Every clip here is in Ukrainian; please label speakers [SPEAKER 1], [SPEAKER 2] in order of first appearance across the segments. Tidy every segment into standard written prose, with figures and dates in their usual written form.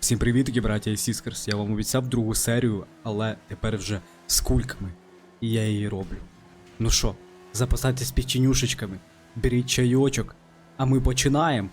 [SPEAKER 1] Всім привітки, браття і сіскерс. Я вам обіцяв другу серію, але тепер вже з кульками. І я її роблю. Ну що, запасайтесь печенюшечками, беріть чайочок, а ми починаємо.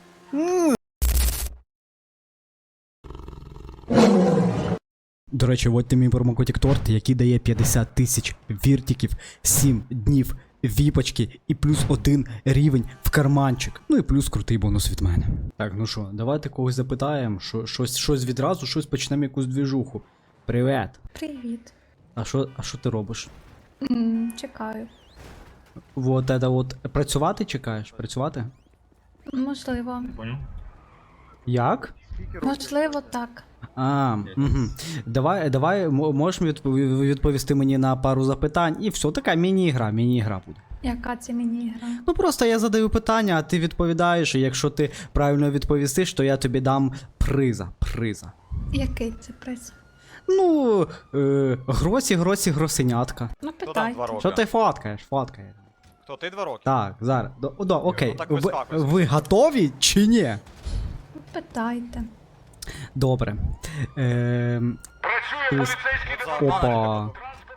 [SPEAKER 1] До речі, вводьте мій промокодик торт, який дає 50 тисяч віртиків, 7 днів віпочки і плюс 1 рівень в карманчик. Ну і плюс крутий бонус від мене. Так, ну що, давайте когось запитаємо, щось відразу, щось почнемо якусь двіжуху. Привіт.
[SPEAKER 2] Привіт.
[SPEAKER 1] А що ти робиш?
[SPEAKER 2] Чекаю.
[SPEAKER 1] Вот это вот. Працювати чекаєш? Працювати?
[SPEAKER 2] Можливо.
[SPEAKER 3] Понял?
[SPEAKER 1] Як?
[SPEAKER 2] Можливо, так.
[SPEAKER 1] Угу. Давай, можеш відповісти мені на пару запитань, і все, така міні-ігра буде.
[SPEAKER 2] Яка це міні-гра?
[SPEAKER 1] Ну просто я задаю питання, а ти відповідаєш, і якщо ти правильно відповістиш, то я тобі дам приза.
[SPEAKER 2] Який це приз?
[SPEAKER 1] Ну, гросенятка.
[SPEAKER 2] Ну,
[SPEAKER 3] Хто там
[SPEAKER 2] питайте.
[SPEAKER 3] 2 роки?
[SPEAKER 1] Що ти фоткаєш?
[SPEAKER 3] Хто ти 2 роки?
[SPEAKER 1] Так, зараз. Окей.
[SPEAKER 3] Ну, так вискакуй.
[SPEAKER 1] Ви готові чи ні?
[SPEAKER 2] Ну, питайте.
[SPEAKER 1] Добре. Опа.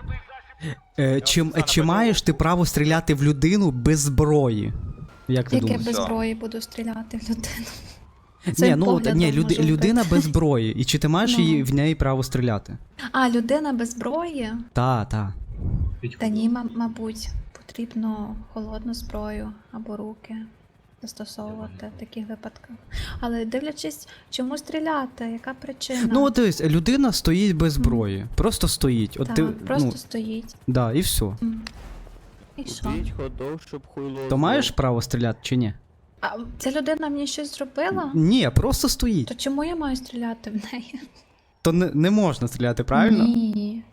[SPEAKER 1] Чи маєш ти право стріляти в людину без зброї? Як ти
[SPEAKER 2] Яке
[SPEAKER 1] думаєш?
[SPEAKER 2] без
[SPEAKER 3] Все.
[SPEAKER 2] зброї буду стріляти в людину?
[SPEAKER 1] Ні,
[SPEAKER 2] Цим
[SPEAKER 1] ну
[SPEAKER 2] поглядом
[SPEAKER 1] ні,
[SPEAKER 2] можу
[SPEAKER 1] людина
[SPEAKER 2] вбити.
[SPEAKER 1] без зброї. І чи ти маєш
[SPEAKER 2] Ну.
[SPEAKER 1] її в неї право стріляти?
[SPEAKER 2] А, людина без зброї?
[SPEAKER 1] Та.
[SPEAKER 2] Та ні, мабуть, потрібно холодну зброю або руки застосовувати в таких випадках. Але дивлячись, чому стріляти, яка причина?
[SPEAKER 1] Ну от дивись, людина стоїть без зброї. Просто стоїть. От
[SPEAKER 2] Так,
[SPEAKER 1] ти,
[SPEAKER 2] просто
[SPEAKER 1] ну,
[SPEAKER 2] стоїть.
[SPEAKER 1] да, і все.
[SPEAKER 2] І що?
[SPEAKER 4] Купіть ходов, щоб хуйло.
[SPEAKER 1] То маєш право стріляти чи ні?
[SPEAKER 2] А ця людина мені щось зробила?
[SPEAKER 1] Ні, просто стоїть.
[SPEAKER 2] То чому я маю стріляти в неї?
[SPEAKER 1] То не можна стріляти, правильно?
[SPEAKER 2] Ні.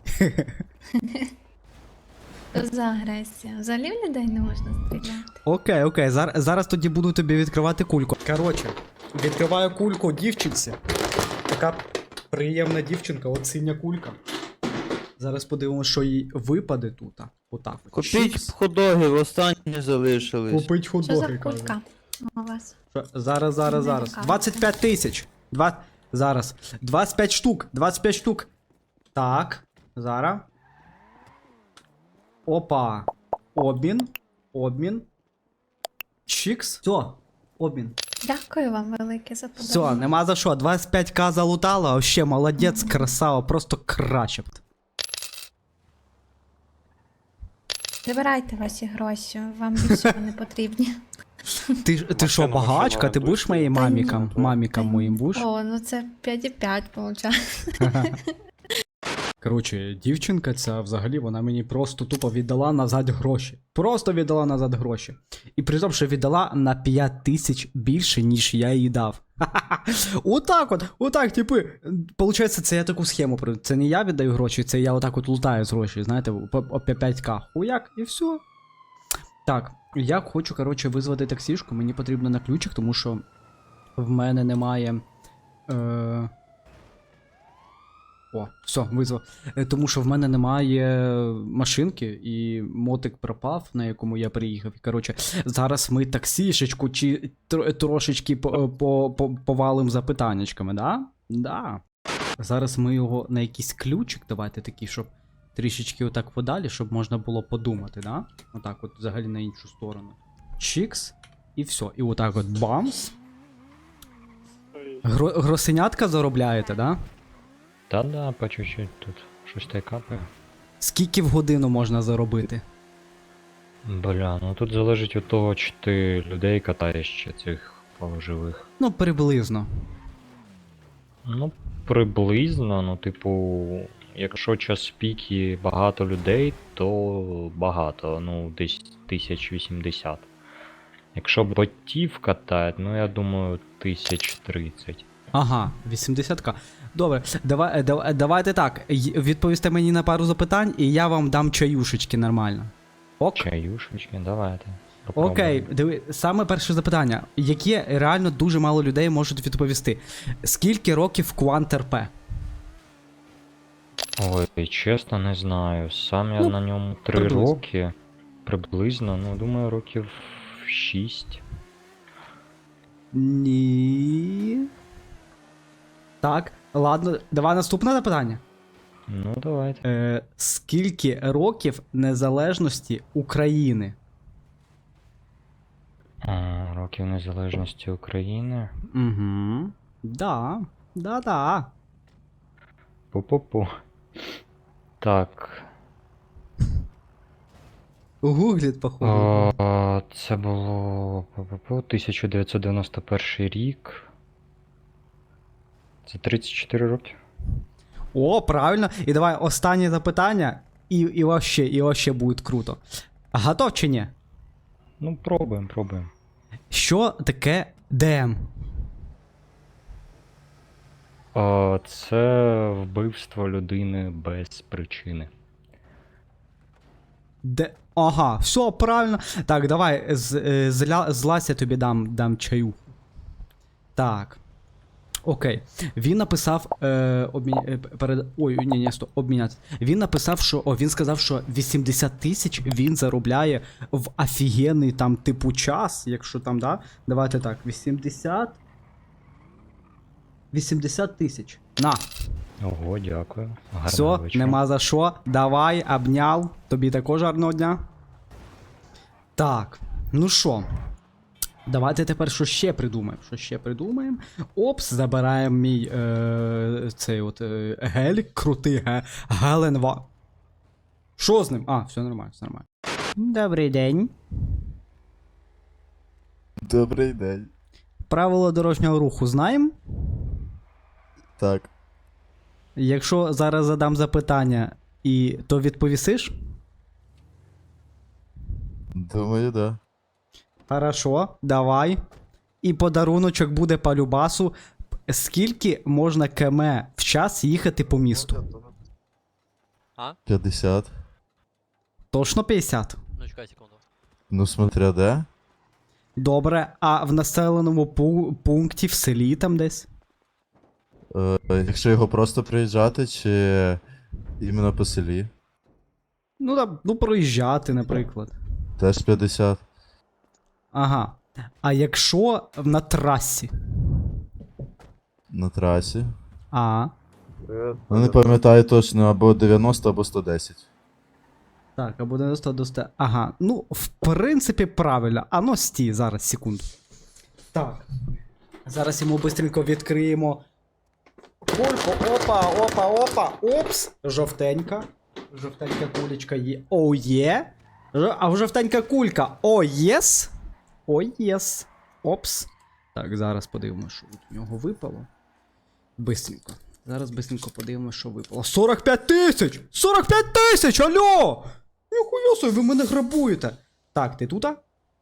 [SPEAKER 2] Що за агресія? Взагалі в людей не можна стріляти.
[SPEAKER 1] Окей. Зараз тоді буду тобі відкривати кульку. Коротше, відкриваю кульку дівчинці. Така приємна дівчинка, от синя кулька. Зараз подивимося, що їй випаде тут. Отак. от.
[SPEAKER 4] Купіть
[SPEAKER 1] Чікс.
[SPEAKER 4] ходоги, останні залишились.
[SPEAKER 1] Купить
[SPEAKER 2] Що за
[SPEAKER 1] худоги, каже.
[SPEAKER 2] кулька у вас?
[SPEAKER 1] Що? Зараз.
[SPEAKER 2] така.
[SPEAKER 1] 25 тисяч. Зараз. 25 штук. Так. Зараз. Опа. Обмін. Чікс. Все. Обмін.
[SPEAKER 2] Дякую вам велике за
[SPEAKER 1] Все,
[SPEAKER 2] подарунок.
[SPEAKER 1] нема за що. 25к залутала, вообще молодець, красава, просто краще.
[SPEAKER 2] Забирайте ваші гроші, вам більше вони потрібні.
[SPEAKER 1] Ти що,
[SPEAKER 3] Машину
[SPEAKER 1] багачка? Ти будеш моїм
[SPEAKER 2] Та ні.
[SPEAKER 1] мамікам моїм будеш?
[SPEAKER 2] О, ну це 5,5 виходить.
[SPEAKER 1] Коротше, дівчинка ця взагалі, вона мені просто тупо віддала назад гроші. Просто віддала назад гроші. І при тому, що віддала на 5 тисяч більше, ніж я їй дав. Отак, типи. Получається, це я таку схему проведу. Це не я віддаю гроші, це я отак от лутаю з гроші, знаєте, по 5к. Хуяк, і все. Так, я хочу, коротше, визвати таксішку, мені потрібно на ключик, тому що в мене немає. О, все, визвав. Тому що в мене немає машинки, і мотик пропав, на якому я приїхав. І, коротше, зараз ми таксішечку чи трошечки повалим запитаннячками, да? Да. Зараз ми його на якийсь ключик, давайте такий, щоб трішечки отак подалі, щоб можна було подумати, да? Отак от взагалі на іншу сторону. Чікс, і все. І отак от бамс. Гросенятка заробляєте, да?
[SPEAKER 5] Та-да, по чуть-чуть тут щось та й капає.
[SPEAKER 1] Скільки в годину можна заробити?
[SPEAKER 5] Бля, ну тут залежить від того, чи ти людей катаєш, чи цих живих.
[SPEAKER 1] Ну, приблизно.
[SPEAKER 5] Ну, приблизно, ну, типу, якщо час пік і багато людей, то багато, ну, десь 1080. Якщо ботів катають, ну я думаю, 1030.
[SPEAKER 1] Ага, 80к. Добре, давайте так. Відповісте мені на пару запитань, і я вам дам чаюшечки нормально. Ок?
[SPEAKER 5] Чаюшечки, давайте.
[SPEAKER 1] Окей,
[SPEAKER 5] попробуємо.
[SPEAKER 1] диви, саме перше запитання, яке реально дуже мало людей можуть відповісти. Скільки років Quant RP?
[SPEAKER 5] Ой, чесно, не знаю. Сам я
[SPEAKER 1] Ну,
[SPEAKER 5] на ньому 3
[SPEAKER 1] приблизно.
[SPEAKER 5] роки. Приблизно, ну, думаю, років 6.
[SPEAKER 1] Ні. Так, ладно, давай наступне запитання.
[SPEAKER 5] Ну, давайте.
[SPEAKER 1] Скільки років незалежності України?
[SPEAKER 5] Років незалежності України.
[SPEAKER 1] Угу. Да. Да-да.
[SPEAKER 5] Пу-пу-пу. Так.
[SPEAKER 1] Гугліт, походу.
[SPEAKER 5] Це було 1991 рік. Це 34 роки.
[SPEAKER 1] О, правильно. І давай останнє запитання, і вообще буде круто. Готов чи ні?
[SPEAKER 5] Ну, пробуємо.
[SPEAKER 1] Що таке ДМ?
[SPEAKER 5] Це вбивство людини без причини.
[SPEAKER 1] Ага, все, правильно. Так, давай, злазь, я тобі дам чаю. Так. Окей. Він написав. Обміняти. Він написав, що. Він сказав, що 80 тисяч він заробляє в офігенний там типу час, якщо там, да? Давайте так, 80 тисяч. На.
[SPEAKER 5] Ого, дякую. Гарного
[SPEAKER 1] Все,
[SPEAKER 5] вечора.
[SPEAKER 1] нема за що. Давай, обняв. Тобі також гарного дня. Так, ну що. Давайте тепер що ще придумаємо. Опс, забираємо мій цей от гелік, крутий Геленва. Що з ним? А, все нормально. Добрий день.
[SPEAKER 6] Добрий день.
[SPEAKER 1] Правило дорожнього руху знаємо?
[SPEAKER 6] Так.
[SPEAKER 1] Якщо зараз задам запитання, то відповісиш?
[SPEAKER 6] Думаю, да.
[SPEAKER 1] Хорошо, давай. І подаруночок буде по любасу. Скільки можна км в час їхати по місту?
[SPEAKER 6] 50.
[SPEAKER 1] Точно 50?
[SPEAKER 7] Ну, чекай секунду.
[SPEAKER 6] Ну, смотря де.
[SPEAKER 1] Добре, а в населеному пункті, в селі там десь?
[SPEAKER 6] Якщо його просто приїжджати, чи іменно по селі?
[SPEAKER 1] Ну проїжджати, наприклад.
[SPEAKER 6] Теж 50.
[SPEAKER 1] Ага. А якщо на трасі?
[SPEAKER 6] На трасі. Ну, не пам'ятаю точно, або 90, або 110.
[SPEAKER 1] Так, або 90 до 100. Ага, ну, в принципі, правильно. А ну, стій, зараз, секунду. Так. Зараз йому бистренько відкриємо. Кульку, опа. Опс. Жовтенька. Жовтенька кулечка є. О, є. А жовтенька кулька. О, єс. О, єс. Опс. Так, зараз подивимося, що у нього випало. Бистренько. Зараз бистренько подивимося, що випало. 45 тисяч! 45 тисяч! Алло! Ніхуя собі, ви мене грабуєте. Так, ти тут?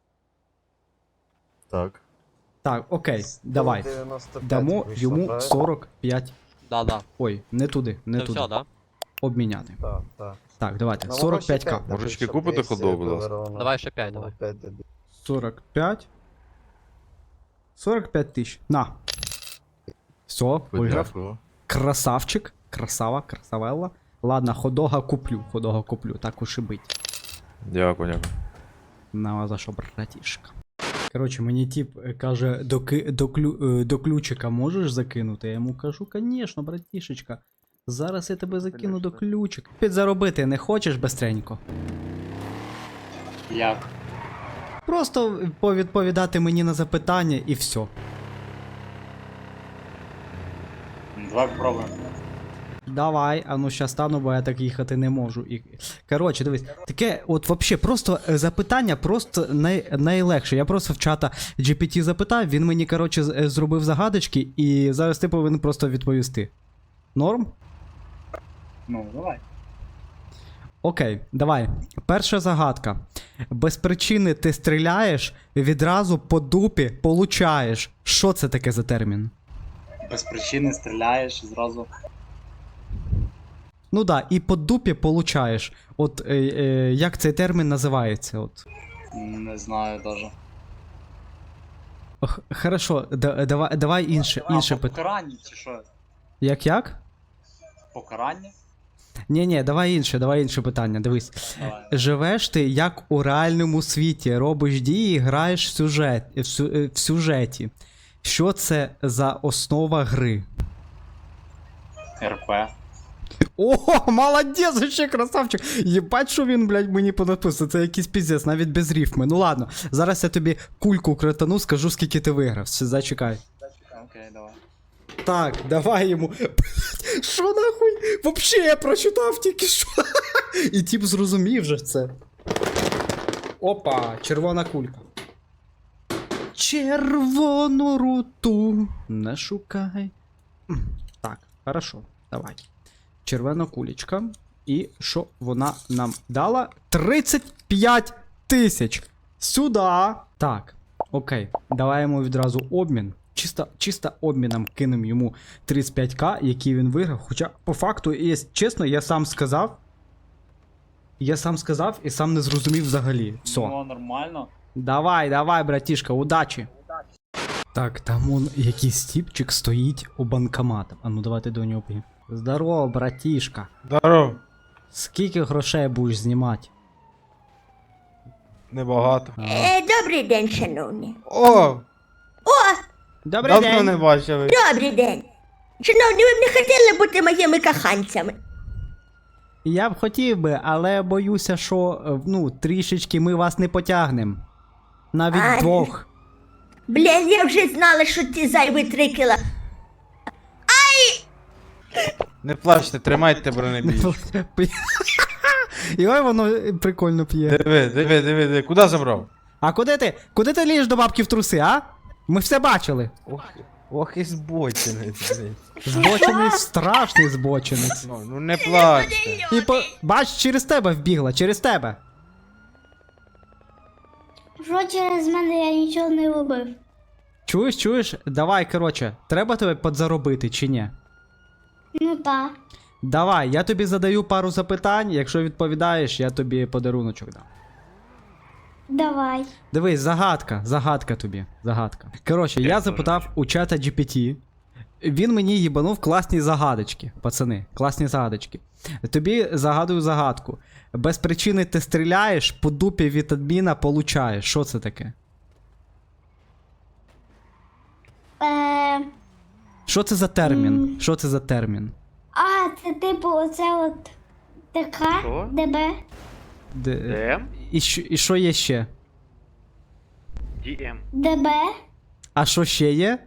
[SPEAKER 6] Так.
[SPEAKER 1] Так, окей, давай. Дамо йому 45.
[SPEAKER 7] Да.
[SPEAKER 1] Ой, не туди.
[SPEAKER 7] Це все, да?
[SPEAKER 1] Обміняти.
[SPEAKER 8] Так.
[SPEAKER 1] Так, давайте. 45к.
[SPEAKER 8] Мужички, купите ходов, будь ласка?
[SPEAKER 7] Давай ще 5, давай.
[SPEAKER 1] 45. 45 тисяч. На. Все, виграв.
[SPEAKER 6] Подякую.
[SPEAKER 1] Красавчик. Красавелла. Ладно, ходога куплю. Так уж і бить.
[SPEAKER 8] Дякую.
[SPEAKER 1] На за що, братішка. Коротше, мені тип каже, до ключика можеш закинути? Я йому кажу, конечно, братішечка. Зараз я тебе закину до ключика. Підзаробити не хочеш бистренько?
[SPEAKER 9] Як?
[SPEAKER 1] Просто повідповідати мені на запитання і все.
[SPEAKER 9] Давай попробуємо.
[SPEAKER 1] Давай, а ну щас стану, бо я так їхати не можу. Коротше, дивись, таке, от вообще, просто запитання, просто найлегше. Я просто в чата GPT запитав, він мені, коротше, зробив загадочки, і зараз ти повинен просто відповісти. Норм?
[SPEAKER 9] Ну, давай.
[SPEAKER 1] Окей, давай. Перша загадка. Без причини ти стріляєш, відразу по дупі получаєш. Що це таке за термін?
[SPEAKER 9] Без причини стріляєш зразу.
[SPEAKER 1] Ну да, і по дупі получаєш. От як цей термін називається? От.
[SPEAKER 9] Не знаю даже.
[SPEAKER 1] Хорошо, давай інше питання.
[SPEAKER 9] Покарання чи що?
[SPEAKER 1] Як?
[SPEAKER 9] Покарання?
[SPEAKER 1] Ні, давай інше питання, дивись.
[SPEAKER 9] Давай.
[SPEAKER 1] Живеш ти як у реальному світі, робиш дії, граєш в сюжеті. Що це за основа гри?
[SPEAKER 9] РП.
[SPEAKER 1] О, молодець, ще красавчик. Єбать, що він, блядь, мені понаписав. Це якийсь піздець, навіть без рифми. Ну ладно, зараз я тобі кульку кратану, скажу, скільки ти виграв. Все, зачекай.
[SPEAKER 9] Окей, давай.
[SPEAKER 1] Так, давай йому. Блядь, що нахуй? Вообще я прочитав тільки що. І тип зрозумів же це. Опа, червона кулька. Червону руту не шукай. Так, хорошо, давай. Червона кулечка. І що вона нам дала? 35 тисяч. Сюда. Так, окей. Давай йому відразу обмін. Чисто обміном кинемо йому 35к, який він виграв. Хоча, по факту, і чесно, я сам сказав. Я сам сказав і сам не зрозумів взагалі. Все.
[SPEAKER 9] Ну, нормально.
[SPEAKER 1] Давай, братішка, удачі. Так, там он якийсь тіпчик стоїть у банкомата. А ну давайте до нього поїдемо. Здорово, братішка.
[SPEAKER 7] Здоров,
[SPEAKER 1] Скільки грошей будеш знімати?
[SPEAKER 7] небагато.
[SPEAKER 10] Добрий день, шановні.
[SPEAKER 7] О!
[SPEAKER 1] Добрий
[SPEAKER 7] Давно
[SPEAKER 1] день.
[SPEAKER 7] не бачили.
[SPEAKER 10] Добрий день. Шановні, ви б не хотіли бути моїми коханцями?
[SPEAKER 1] Я б хотів би, але боюся, що ну, трішечки ми вас не потягнемо. Навіть
[SPEAKER 10] Ай.
[SPEAKER 1] двох.
[SPEAKER 10] Блін, я вже знала, що ті зайві 3 кіла.
[SPEAKER 7] Не плачте, тримайте бронебійч.
[SPEAKER 1] І ой, воно прикольно п'є.
[SPEAKER 7] Диви, куди забрав?
[SPEAKER 1] А куди ти? Куди ти лієш до бабки в труси, а? Ми все бачили.
[SPEAKER 7] Ох і збочинець, блін.
[SPEAKER 1] Збочинець, страшний збочинець.
[SPEAKER 7] Ну не плачте.
[SPEAKER 1] І бач, через тебе вбігла, через тебе.
[SPEAKER 11] Що через мене я нічого не робив?
[SPEAKER 1] Чуєш? Давай, короче, треба тебе подзаробити чи ні?
[SPEAKER 11] Ну так.
[SPEAKER 1] Давай, я тобі задаю пару запитань, якщо відповідаєш, я тобі подаруночок дам.
[SPEAKER 11] Давай.
[SPEAKER 1] Дивись, загадка тобі, загадка. Коротше, я запитав у чата GPT, він мені їбанув класні загадочки, пацани, класні загадочки. Тобі загадую загадку. Без причини ти стріляєш, по дупі від адміна получаєш. Що це таке? Що це за термін? Що це за термін?
[SPEAKER 11] А, це типу оце от така ДБ.
[SPEAKER 1] ДМ? І що є ще?
[SPEAKER 11] ДБ.
[SPEAKER 1] А що ще є?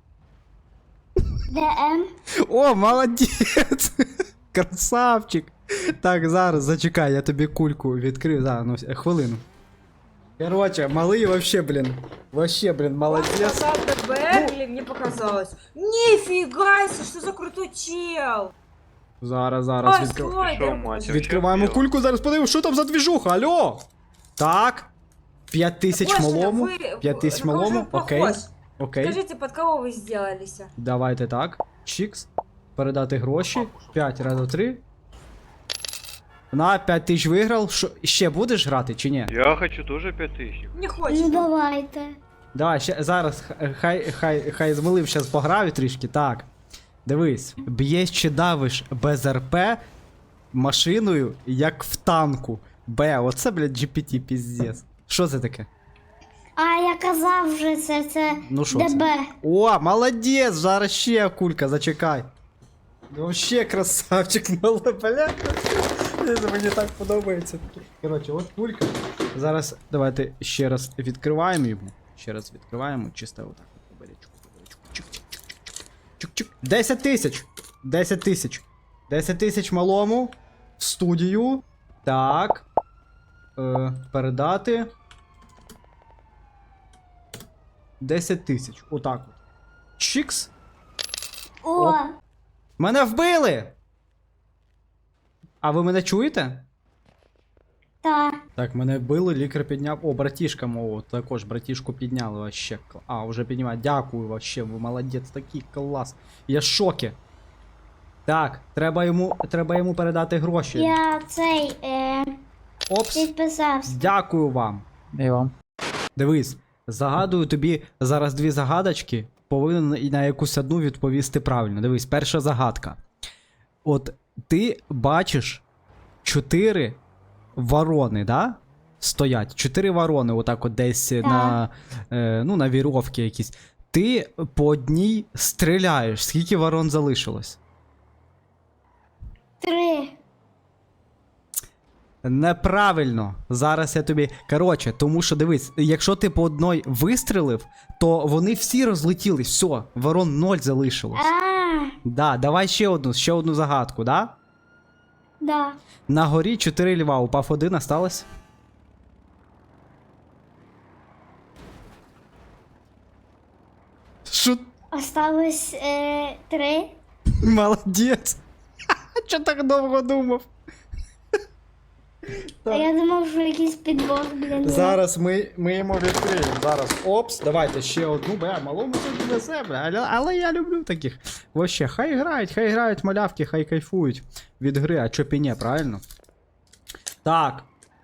[SPEAKER 11] ДМ.
[SPEAKER 1] О, молодець! Красавчик! Так, зараз зачекай, я тобі кульку відкрив. Зараз, ну, хвилину. Короче, малий вообще, блин, молодець.
[SPEAKER 12] Или мне показалось. Нифига себе, что за крутой чел!
[SPEAKER 1] Зараз
[SPEAKER 12] Ой,
[SPEAKER 1] відкриваємо кульку, зараз подивимось, що там за двіжуха, алло! Так. 5000 малому. 5000 малому, окей. Окей.
[SPEAKER 12] Скажите, под кого вы сделались?
[SPEAKER 1] Давайте так. Чікс. Передати гроші. 5 разів 3. На 5000 виграв. Що, ще будеш грати чи ні?
[SPEAKER 8] Я хочу теж 5000.
[SPEAKER 12] Не
[SPEAKER 11] Ну
[SPEAKER 12] хочешь?
[SPEAKER 11] давайте.
[SPEAKER 1] Давай, ще зараз хай звалив щас пограю трішки. Так. Дивись. Б'єш чи давиш без РП машиною, як в танку. Оце, блядь, GPT піздец. Що це таке?
[SPEAKER 11] А я казав вже це
[SPEAKER 1] Ну що
[SPEAKER 11] ДБ.
[SPEAKER 1] це? О, молодець! Зараз ще кулька, зачекай. Вообще красавчик, блядь. Мені так подобається. Коротше, от кулька. Зараз давайте ще раз відкриваємо його. Ще раз відкриваємо, чисто отак. Чик-чик-чик-чик-чик. 10 тисяч! 10 тисяч. 10 тисяч малому. В студію. Так. Передати. 10 тисяч. Отак от. Чікс.
[SPEAKER 11] О,
[SPEAKER 1] Мене вбили! А ви мене чуєте?
[SPEAKER 11] та.
[SPEAKER 1] Так, мене вбили, лікар підняв. О, братішка мого, також братішку підняли вообще. А, вже піднімають. Дякую вообще, ви молодець, такий клас. Я в шокі. Так, треба йому передати гроші.
[SPEAKER 11] Я
[SPEAKER 1] Опс.
[SPEAKER 11] підписався.
[SPEAKER 1] Дякую вам.
[SPEAKER 4] І вам.
[SPEAKER 1] Дивись, загадую тобі зараз 2 загадочки, повинен на якусь одну відповісти правильно. Дивись, перша загадка. От ти бачиш 4 ворони, да? Стоять. 4 ворони, отак от десь на вірьовці якісь. Ти по одній стріляєш. Скільки ворон залишилось? Неправильно. Зараз я тобі. Коротше, тому що дивись, якщо ти по одной вистрелив, то вони всі розлетілись. Все, ворон 0 залишилось. Да, давай ще одну загадку, да?
[SPEAKER 11] Да.
[SPEAKER 1] На горі 4 льва, упав 1, осталось. Що?
[SPEAKER 11] Осталось 3.
[SPEAKER 1] Молодець. Чо так довго думав?
[SPEAKER 11] А я думав, що якийсь підвох, блін.
[SPEAKER 1] Зараз ми йому відкриємо. Зараз. Опс, давайте ще одну. Малому це везе, але я люблю таких. Вообще, хай грають малявки, хай кайфують від гри, а чо піне, правильно? Так.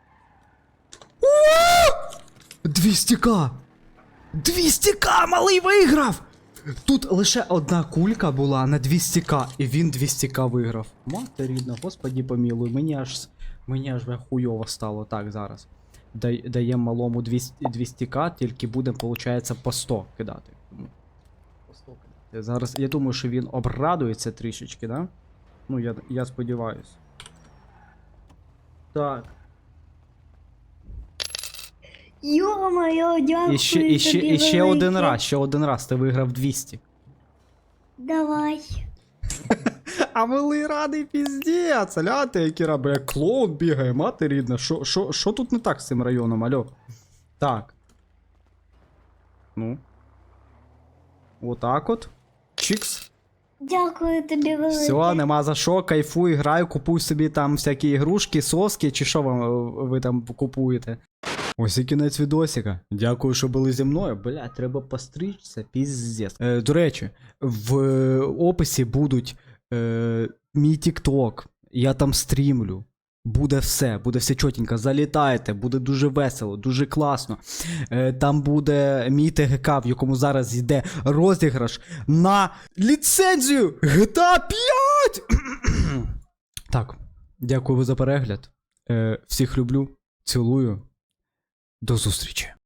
[SPEAKER 1] 200к! 200к, малий виграв! Тут лише одна кулька була на 200к, і він 200к виграв. Мати рідна, господі помілуй, мені аж хуйово стало. Так, зараз. Даємо малому 200к, тільки будемо, виходить, по 100 кидати. По 100 кидати. Зараз, я думаю, що він обрадується трішечки, да? Ну, я сподіваюсь. Так.
[SPEAKER 11] Йо-моє, дякую
[SPEAKER 1] І ще один раз ти виграв 200.
[SPEAKER 11] Давай.
[SPEAKER 1] А малий радий піздець, ляти, які раби, як клоун бігає, мати рідна. Що тут не так з цим районом, альо? Так. Ну. Отак от. Чікс.
[SPEAKER 11] Дякую тобі велике.
[SPEAKER 1] Все, нема за що, кайфуй, грай, купуй собі там всякі ігрушки, соски, чи що ви там купуєте. Ось і кінець відосика. Дякую, що були зі мною. Бля, треба постричся, піздець. До речі, в описі будуть мій TikTok. Я там стрімлю. Буде все чотенько. Залітайте, буде дуже весело, дуже класно. Там буде мій ТГК, в якому зараз йде розіграш на ліцензію GTA 5! Так, дякую за перегляд. Всіх люблю, цілую. До зустрічі.